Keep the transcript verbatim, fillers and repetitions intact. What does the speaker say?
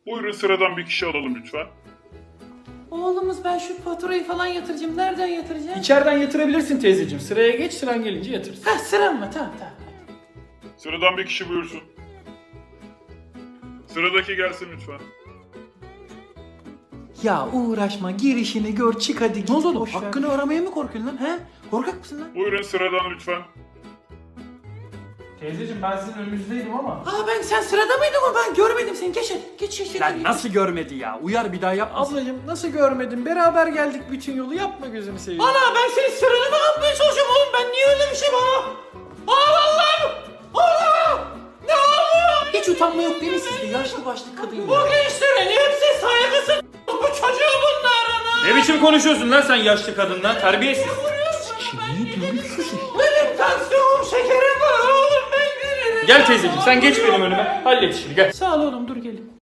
Buyurun sıradan bir kişi alalım lütfen. Oğlumuz ben şu faturayı falan yatıracağım. Nereden yatıracağım? İçeriden yatırabilirsin teyzeciğim. Sıraya geç, sıran gelince yatırırsın. Ha sıram mı? Tamam tamam. Sıradan bir kişi buyursun. Sıradaki gelsin lütfen. Ya uğraşma girişini gör çık hadi git. Ne oldu oğlum? Hakkını aramaya mı korkuyorsun lan? He? Korkak mısın lan? Buyurun sıradan lütfen. Teyzeciğim ben sizin önünüzdeydim ama. Aa ben sen sırada mıydın o? Ben görmedim seni. Geç hadi. Geç geç. Lan nasıl görmedi ya? Uyar bir daha yapma. Ablacığım nasıl görmedin? Beraber geldik bütün yolu. Yapma gözünü seveyim. Ana ben senin sıranı mı kapmaya çalışıyorum oğlum? Ben niye öyle bir şey bana? Aa Allah'ım! Allah! Ne oluyor? Hiç utanma yok değil mi sizde? Yaşlı başlı kadın ya. Bu gençlerin hepsi saygısız. Bu çocuğu bunların. Ne biçim konuşuyorsun lan sen yaşlı kadınla? Terbiyesiz. Benim tansiyonum şekerim var oğlum ben gelirim. Gel teyzeciğim sen geç benim önüme. Hallet işini gel. Sağ ol oğlum dur gelin.